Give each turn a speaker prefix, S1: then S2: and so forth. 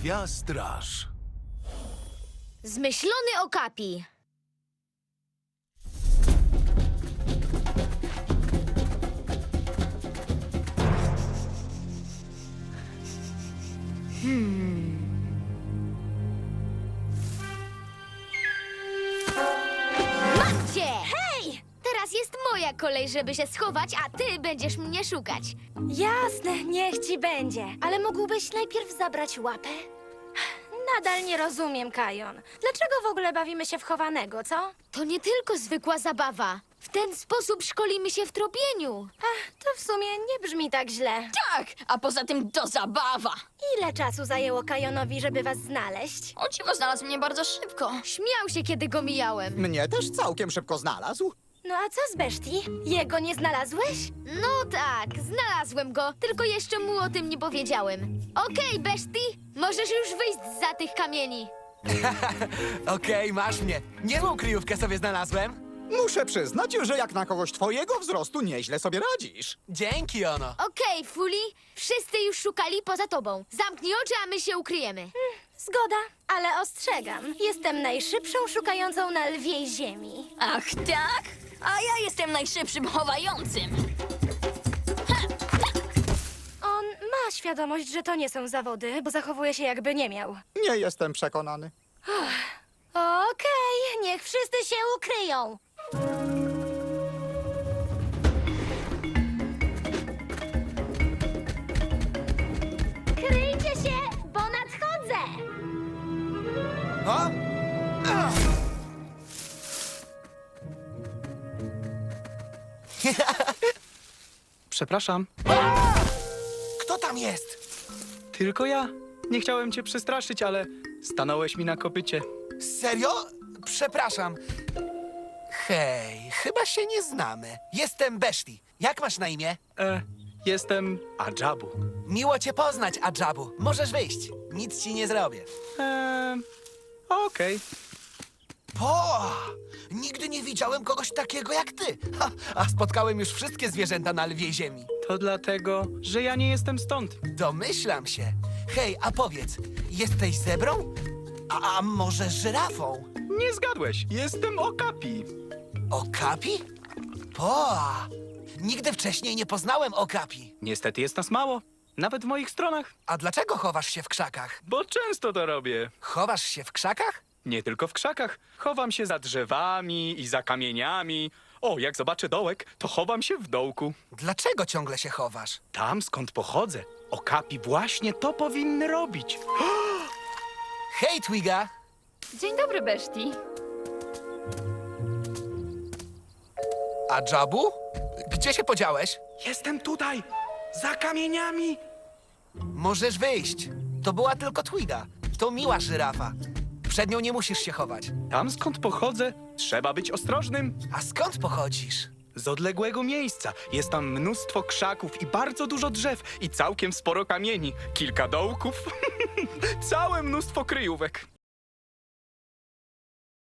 S1: Lwia straż.
S2: Zmyślony okapi. Mam cię! Hej! Teraz jest moja kolej, żeby się schować, a ty będziesz mnie szukać.
S3: Jasne, niech ci będzie. Ale mógłbyś najpierw zabrać łapę? Nadal nie rozumiem, Kajon. Dlaczego w ogóle bawimy się w chowanego, co?
S2: To nie tylko zwykła zabawa. W ten sposób szkolimy się w tropieniu.
S3: To w sumie nie brzmi tak źle.
S4: Tak, a poza tym to zabawa.
S3: Ile czasu zajęło Kajonowi, żeby was znaleźć?
S4: O dziwo, znalazł mnie bardzo szybko.
S2: Śmiał się, kiedy go mijałem.
S5: Mnie też całkiem szybko znalazł.
S3: No a co z Beszti? Jego nie znalazłeś?
S2: No tak, znalazłem go, tylko jeszcze mu o tym nie powiedziałem. Okej, Beszti, możesz już wyjść zza tych kamieni.
S1: Okej, masz mnie. Niezłą kryjówkę sobie znalazłem.
S5: Muszę przyznać, że jak na kogoś twojego wzrostu nieźle sobie radzisz.
S1: Dzięki, Ono.
S2: Okej, Fuli, wszyscy już szukali poza tobą. Zamknij oczy, a my się ukryjemy.
S3: Zgoda, ale ostrzegam. Jestem najszybszą szukającą na lwiej ziemi.
S4: Ach tak? A ja jestem najszybszym chowającym.
S3: On ma świadomość, że to nie są zawody, bo zachowuje się jakby nie miał.
S5: Nie jestem przekonany.
S3: Okej, niech wszyscy się ukryją. Kryjcie się, bo nadchodzę!
S1: O? Ach.
S6: Przepraszam,
S1: Kto tam jest?
S6: tylko ja. Nie chciałem cię przestraszyć, ale stanąłeś mi na kopycie.
S1: Serio? Przepraszam. Hej, chyba się nie znamy. Jestem Beszti. Jak masz na imię?
S6: Jestem Adżabu.
S1: Miło cię poznać, Adżabu. Możesz wyjść. Nic ci nie zrobię.
S6: Okej.
S1: Nigdy nie widziałem kogoś takiego jak ty. A spotkałem już wszystkie zwierzęta na lwiej ziemi.
S6: To dlatego, że ja nie jestem stąd.
S1: Domyślam się. Hej, a powiedz, jesteś zebrą? A może żyrafą?
S6: Nie zgadłeś. Jestem okapi.
S1: Okapi? Nigdy wcześniej nie poznałem okapi.
S6: Niestety jest nas mało. Nawet w moich stronach.
S1: A dlaczego chowasz się w krzakach?
S6: Bo często to robię.
S1: Chowasz się w krzakach?
S6: Nie tylko w krzakach. Chowam się za drzewami i za kamieniami. O, jak zobaczę dołek, to chowam się w dołku.
S1: Dlaczego ciągle się chowasz?
S6: Tam, skąd pochodzę, okapi właśnie to powinny robić.
S1: Hej, Twiga!
S4: Dzień dobry, Beszti.
S1: Adżabu? Gdzie się podziałeś?
S6: Jestem tutaj, za kamieniami.
S1: Możesz wyjść. To była tylko Twiga. To miła żyrafa. Przed nią nie musisz się chować.
S6: Tam, skąd pochodzę, trzeba być ostrożnym.
S1: A skąd pochodzisz?
S6: Z odległego miejsca. Jest tam mnóstwo krzaków i bardzo dużo drzew i całkiem sporo kamieni. Kilka dołków. Całe mnóstwo kryjówek.